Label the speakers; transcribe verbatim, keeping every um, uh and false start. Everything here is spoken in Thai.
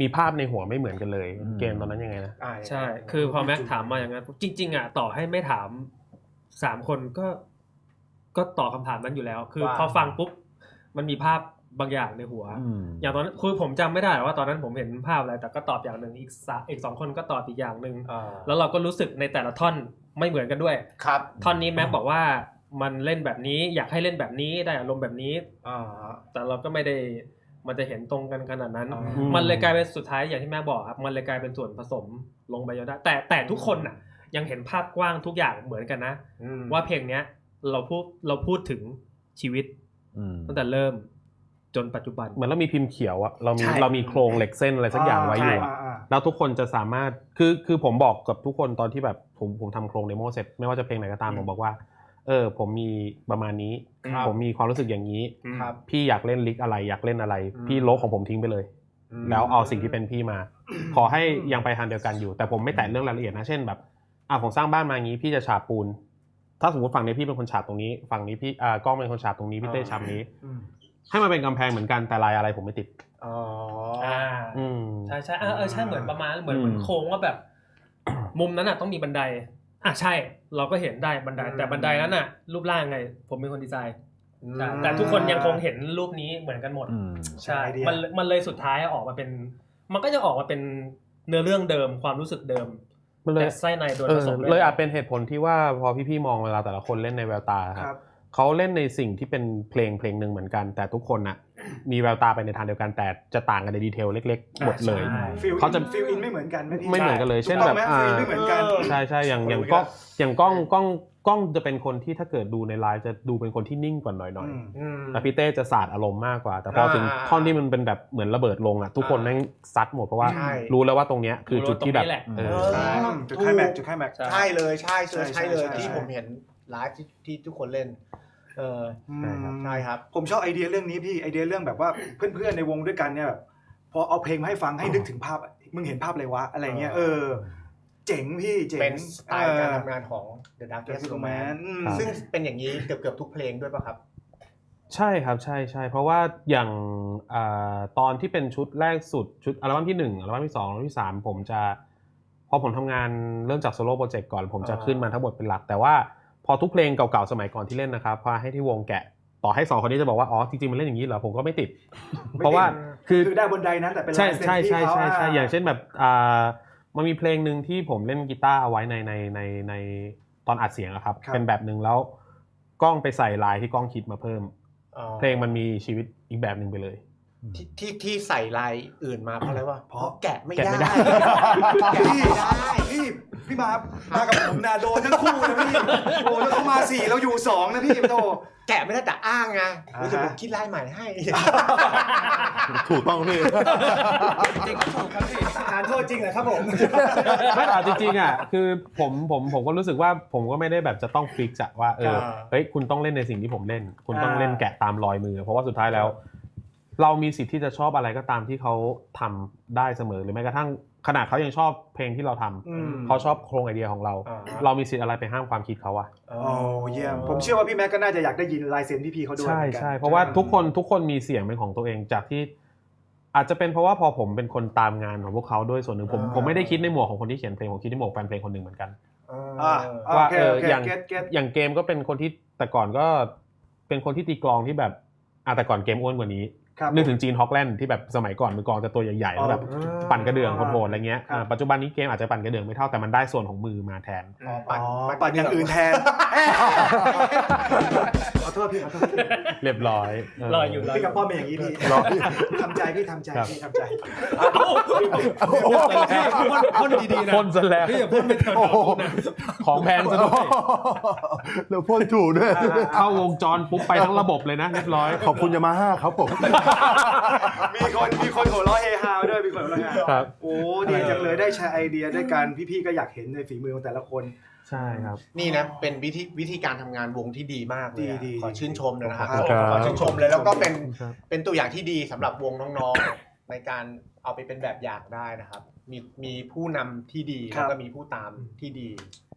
Speaker 1: มีภาพในหัวไม่เหมือนกันเลยเกมตอนนั้นยังไงนะ
Speaker 2: ใช่คือพอแม็กถามมาอย่างนั้นจริงๆอ่ะต่อให้ไม่ถามสามคนก็ก็ตอบคำถามนั้นอยู่แล้วคือพอฟังปุ๊บมันมีภาพบางอย่างในหัวอย่างตอนนั้นคือผมจำไม่ได้ว่าตอนนั้นผมเห็นภาพอะไรแต่ก็ตอบอย่างหนึ่งอีกอีกสองคนก็ตอบอีกอย่างหนึ่งแล้วเราก็รู้สึกในแต่ละท่อนไม่เหมือนกันด้วย
Speaker 3: ครับ
Speaker 2: ท่อนนี้แม็กบอกว่ามันเล่นแบบนี้อยากให้เล่นแบบนี้ได้อารมณ์แบบนี้แต่เราก็ไม่ได้มันจะเห็นตรงกันขนาดนั้นมันเลยกลายเป็นสุดท้ายอย่างที่แม่บอกครับมันเลยกลายเป็นส่วนผสมลงไปเยอะได้แต่แต่ทุกคนน่ะยังเห็นภาพกว้างทุกอย่างเหมือนกันนะว่าเพลงเนี้ยเราพูดเราพูดถึงชีวิตตั้งแต่เริ่มจนปัจจุบัน
Speaker 1: เหมือนเรามีพิมพ์เขียวอะเรามีเรามีโครงเหล็กเส้นอะไรสักอย่างไว้อยู่แล้วทุกคนจะสามารถคือคือผมบอกกับทุกคนตอนที่แบบผมผมทำโครงเดโมเสร็จไม่ว่าจะเพลงไหนก็ตามผมบอกว่าเออผมมีประมาณนี้ผมมีความรู้สึกอย่างนี้พี่อยากเล่นลิกอะไรอยากเล่นอะไรพี่โลกของผมทิ้งไปเลยแล้วเอาสิ่งที่เป็นพี่มาขอให้ยังไปทางเดียวกันอยู่แต่ผมไม่แตะเรื่องรายละเอียดนะเช่นแบบอ่ะผมสร้างบ้านมาอย่างนี้พี่จะฉาบปูนถ้าสมมติฝั่งนี้พี่เป็นคนฉาบตรงนี้ฝั่งนี้พี่อ่ากล้องเป็นคนฉาบตรงนี้พี่เต้ฉาบนี้ให้มันเป็นกำแพงเหมือนกันแต่ลายอะไรผมไม่ติด
Speaker 2: อ๋ออ่าอืมใช่ใช่เออเออใช่เหมือนประมาณเหมือนเหมือนโค้งว่าแบบมุมนั้นอ่ะต้องมีบันไดอ่ะใช่เราก็เห็นได้บันไดแต่บันไดนั้นน่ะรูปร่างไงผมเป็นคนดีไซน์แต่ทุกคนยังคงเห็นรูปนี้เหมือนกันหมดใช่มันมันเลยสุดท้ายออกมาเป็นมันก็จะออกมาเป็นเนื้อเรื่องเดิมความรู้สึกเดิมแต่ไส้ในโดนผสม
Speaker 1: เลยอาจเป็นเหตุผลที่ว่าพอพี่ๆมองเวลาแต่ละคนเล่นในแววตาครับเขาเล่นในสิ่งที่เป็นเพลงเพลงหนึ่งเหมือนกันแต่ทุกคนน่ะมีแววตาไปในทางเดียวกันแต่จะต่างกันในดีเทลเล็กๆหมดเลย
Speaker 4: เขาจะฟีลอินไม่เหมือนกัน
Speaker 1: ไม่เหมือนกันเลยเช่นแบบ
Speaker 4: ไม่เหมือนกัน
Speaker 1: ใช่ใช่อย่างอย่างกล้องอย่างกล้องกล้องกล้องจะเป็นคนที่ถ้าเกิดดูในไลฟ์จะดูเป็นคนที่นิ่งกว่าหน่อยๆแต่พี่เต้จะสาดอารมณ์มากกว่าแต่พอถึงท่อนที่มันเป็นแบบเหมือนระเบิดลงอ่ะทุกคนแม่งซัดหมดเพราะว่ารู้แล้วว่าตรงเนี้ยคือจุดที่แบบ
Speaker 4: จุดไคลแม็กซ์จุดไคลแม็กซ์
Speaker 3: ใช่เลยใช่ใช่เลยที่ผมเห็นไลฟ์ที่ทุกคนเล่นเออใช่ครับ
Speaker 4: ผมชอบไอเดียเรื่องนี้พี่ไอเดียเรื่องแบบว่าเพื่อนๆในวงด้วยกันเนี่ยแบบพอเอาเพลงมาให้ฟังให้นึกถึงภาพมึงเห็นภาพอะไรวะอะไรเงี้ยเออเจ๋งพี่เจ๋ง
Speaker 3: เป็นสไตล์การทำงานของ The Darkest Romance ซึ่งเป็นอย่างนี้เกือบๆทุกเพลงด้วยป่ะครับ
Speaker 1: ใช่ครับใช่ใช่เพราะว่าอย่างตอนที่เป็นชุดแรกสุดชุดอัลบั้มที่หนึ่งอัลบั้มที่สองอัลบั้มที่สามผมจะพอผมทำงานเริ่มจากโซโล่โปรเจกต์ก่อนผมจะขึ้นมาทั้งหมดเป็นหลักแต่ว่าพอทุกเพลงเก่าๆสมัยก่อนที่เล่นนะครับพอให้ที่วงแกะต่อให้สองคนนี้จะบอกว่าอ๋อจริงๆมันเล่นอย่างนี้เหรอผมก็ไม่ติดเพราะว่า
Speaker 4: คือคือได้บนไดนั้นแต่เป็นลายเซ็นที่เขา
Speaker 1: ใช่ใช่ใช่อย่างเช่นแบบอ่ามันมีเพลงนึงที่ผมเล่นกีตาร์เอาไว้ในในในในตอนอัดเสียงอะครับเป็นแบบนึงแล้วกล้องไปใส่ลายที่กล้องคิดมาเพิ่มเพลงมันมีชีวิตอีกแบบนึงไปเลย
Speaker 3: ที่ที่ที่ใส่ลายอื่นมาเพราะอะไรวะเพราะแกะไม่ได้
Speaker 4: พี่พี่พี่มามากับผมนาโดนทั้งคู่นะพี่โอ้แล้วเขามาสี่เราอยู่สองนะพี่โต
Speaker 3: แกะไม่ได้แต่อ้างไงรู้สึกผมคิดลายใหม่ให้
Speaker 1: ถูกต้องพี่
Speaker 2: จริงถูกครับพี่
Speaker 4: ทานโทษจริงเหรอครับผม
Speaker 1: ไม่แต่จริงๆอ่ะคือผมผมผมก็รู้สึกว่าผมก็ไม่ได้แบบจะต้องฟิกซ์ว่าเออเฮ้ยคุณต้องเล่นในสิ่งที่ผมเล่นคุณต้องเล่นแกะตามรอยมือเพราะว่าสุดท้ายแล้วเรามีสิทธิ์ที่จะชอบอะไรก็ตามที่เขาทำได้เสมอหรือแม้กระทั่งขนาดเขายังชอบเพลงที่เราทำเขาชอบโครงไอเดียของเราเรามีสิทธิ์อะไรไปห้ามความคิดเขาอะ
Speaker 4: โอ้เยี่ยมผมเชื่อว่าพี่แม็กก็น่าจะอยากได้ยินลายเซ็นพี่พี่เขาด้วย
Speaker 1: ใช่ใช่เพราะว่าทุกคนทุกคนมีเสียงเป็นของตัวเองจากที่อาจจะเป็นเพราะว่าพอผมเป็นคนตามงานของพวกเขาด้วยส่วนหนึ่งผมผมไม่ได้คิดในหมวกของคนที่เขียนเพลงผมคิดในหมวกแฟนเพลงคนหนึ่งเหมือนกันว่าเอออย่างอย่างเกมก็เป็นคนที่แต่ก่อนก็เป็นคนที่ตีกลองที่แบบอ่ะแต่ก่อนเกมอ้วนกว่านี้นึกถึงจีนฮอกแลนด์ที่แบบสมัยก่อนมือกลองจะตัวใหญ่ๆแล้วแบบปั่นกระเดื่องโหดๆอะไรเงี้ยปัจจุบันนี้เกมอาจจะปั่นกระเดื่องไม่เท่าแต่มันได้ส่วนของมือมาแทน
Speaker 4: ปั่นปั่นอย่างอื่นแทนขอโทษพี่ขอโทษ
Speaker 1: เรียบร้อย
Speaker 2: รออยู่
Speaker 4: พี่กับป้อมเป็นอย่างนี้พี่ทำใจพี่ทำใจพี่ทำใจ
Speaker 2: พ่นดีๆนะ
Speaker 1: พ่นซะแล้ว
Speaker 2: พี่อย่าพ่นไปเถอะ
Speaker 1: ของแพงซะด้วย
Speaker 5: แล้วพ่นถูกด้วย
Speaker 1: เข้าวงจรปุ๊บไปทั้งระบบเลยนะเรียบร้อย
Speaker 5: ขอบคุณยามาฮ่าครับผม
Speaker 4: มีคนมีคนหัวเราะเฮฮาด้วยมีคนหัวเราะเฮฮาโอ้ดีจังเลยได้แชร์ไอเดียด้วยกันพี่ๆก็อยากเห็นในฝีมือของแต่ละคน
Speaker 1: ใช่ครับ
Speaker 3: นี่นะเป็นวิธีวิธีการทำงานวงที่ดีมากเลยขอชื่นชมนะครับขอชื่นชมเลยแล้วก็เป็นเป็นตัวอย่างที่ดีสำหรับวงน้องๆในการเอาไปเป็นแบบอย่างได้นะครับมีมีผู้นำที่ดีแล้วก็มีผู้ตามที่ดี